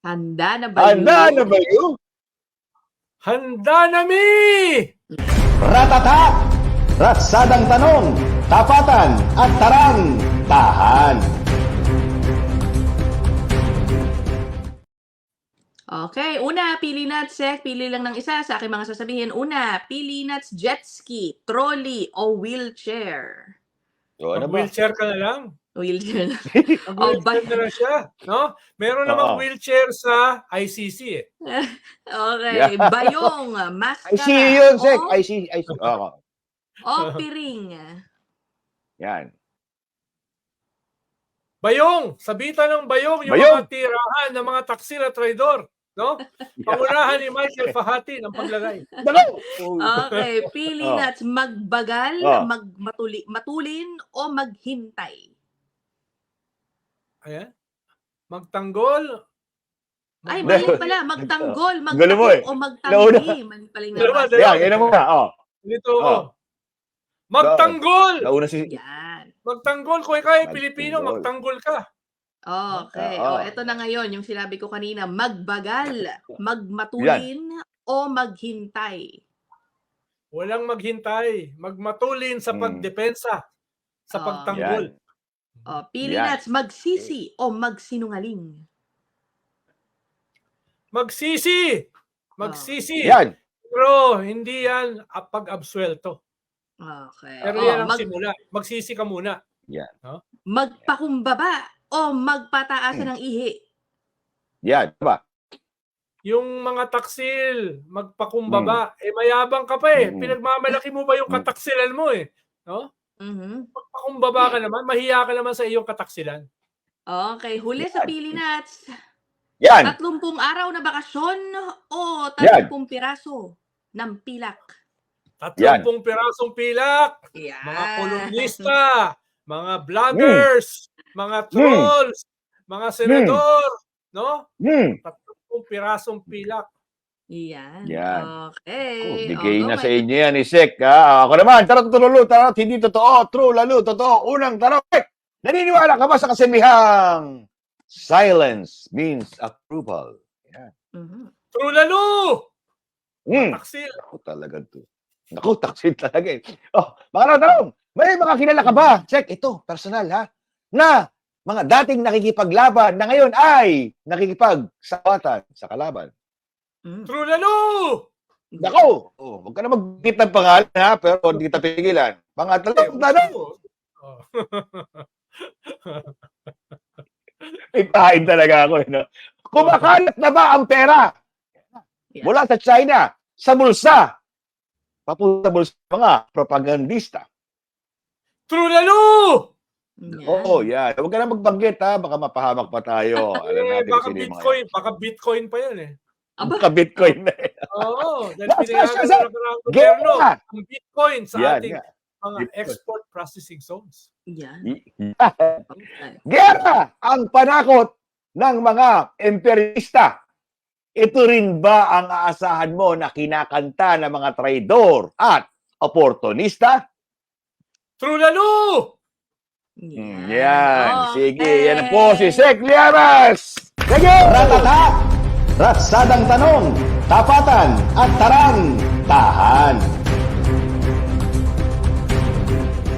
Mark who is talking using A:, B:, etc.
A: Handa na ba
B: Handa
A: yun?
B: na ba yun?
C: Handa na mi!
B: Ratata! Ratsadang tanong, tapatan at tarang, tahan.
A: Okay, una, pili nuts, Sek. Pili lang ng isa sa aking mga sasabihin. Una, pili nuts, jet ski, trolley, o wheelchair.
B: So, ano ba?
C: Mag-wheelchair ka na lang.
A: Wheelchair.
C: Mag-wheelchair na lang siya. No? Meron namang
B: Oo.
C: wheelchair sa ICC eh.
A: Okay,
B: Yeah.
A: bayong,
B: I see you yun, Sek.
A: maskara,
B: I see. Oo.
A: o piring.
B: Yan.
C: Bayong! Sabitan ng bayong yung
B: Bayong!
C: mga tirahan ng mga taksil at traidor. No? Pangunahan ni Michael Fahati ng paglagay.
B: Dalaw!
A: Okay, pili
B: Oh.
A: nuts, magbagal,
B: Oh.
A: matulin, o maghintay.
C: Ayan. Magtanggol.
A: Ay,
B: Hindi.
A: mali pala. Magtanggol,
B: Gulo mo eh.
A: magtakip, o
B: Nauna.
A: magtanggi. Mali pala yung
C: Dalawa,
A: nabasa.
C: dalawa.
B: Yan, yan muna. Oh.
C: Dito
B: Oh.
C: ako. Magtanggol!
B: Nauna si...
A: Yan.
C: Magtanggol. Kung ikaw ay Pilipino,
B: Magtanggol.
C: magtanggol ka.
A: Okay.
B: Oo.
A: Eto na ngayon, yung sinabi ko kanina, magbagal, magmatulin, o maghintay.
C: Walang maghintay. Magmatulin sa pagdepensa. Sa
A: Oh.
C: pagtanggol.
A: O, pili
B: Yan.
A: nuts, magsisi, o magsinungaling.
C: Magsisi! Magsisi!
B: Yan.
C: Pero hindi yan pag-absuelto.
A: Okay.
C: Pero
A: O,
C: yan ang simula. Magsisi ka muna.
B: Yan.
A: magpakumbaba, o magpataasan ng ihi.
B: Yan. Diba?
C: Yung mga taksil, magpakumbaba. Eh, mayabang ka pa eh. Pinagmamalaki mo ba yung kataksilan mo eh? No?
A: Mhm.
C: Magpakumbaba ka naman. Mahiya ka naman sa iyong kataksilan.
A: Okay, huli sa pili nuts.
B: Yan.
A: 30 araw na bakasyon o 30 piraso ng pilak.
C: 30 pirasong pilak.
A: Yan.
C: Mga kolumnista, mga vloggers, mga trolls, mga senador, no? 30 pirasong pilak.
A: Yan.
B: Yan.
A: Okay.
B: Bigay
A: Although
B: na sa
A: may-
B: inyo yan, Isek. Ako naman, tarot tululu, tarot hindi totoo, true, lalo, totoo. Unang tarot, naniniwala ka ba sa kasamihang silence means approval? Yan.
A: Mhm.
C: True lalo! Taksil.
B: Ako talaga to. Naku, taksil talaga eh. Oh, mga tanong, may mga kilala ka ba? Check, ito, personal ha, na mga dating nakikipaglaban na ngayon ay nakikipagsawatan sa kalaban.
A: Mm.
C: True lalo!
B: Nako! Oh, huwag ka na mag-git ng pangalan ha, pero hindi kita pigilan. Pangatlong tanong,
C: Oh.
B: ipahin talaga ako. No? Kumakalat na ba ang pera
A: Yeah.
B: mula sa China sa bulsa? Papunta sa bulsa ng mga propagandista.
C: True lalo!
A: Yan.
B: Oo, yan. Huwag ka na magbanggit ha, baka mapahamak pa tayo. Alam natin
C: Baka
B: kung sino yung mga
C: Bitcoin. Baka Bitcoin pa yan eh.
A: Aba,
B: Ka-Bitcoin na eh.
C: Oo. Dahil
B: Yes,
C: pinayagan
B: yes,
C: ng nakaraang gobyerno
B: Gera!
C: ang Bitcoin sa
B: Yan,
C: ating
B: yan.
C: mga
B: Bitcoin.
C: export processing zones.
A: yan. Okay.
B: Gera ang panakot ng mga imperialista. Ito rin ba ang aasahan mo na kinakanta ng mga traidor at oportunista?
C: True lalo!
B: Yan. Sige,
A: Okay.
B: yan po si Sek Liaras. Sige! Ratata! Ratsadang tanong, tapatan at tarang, tahan.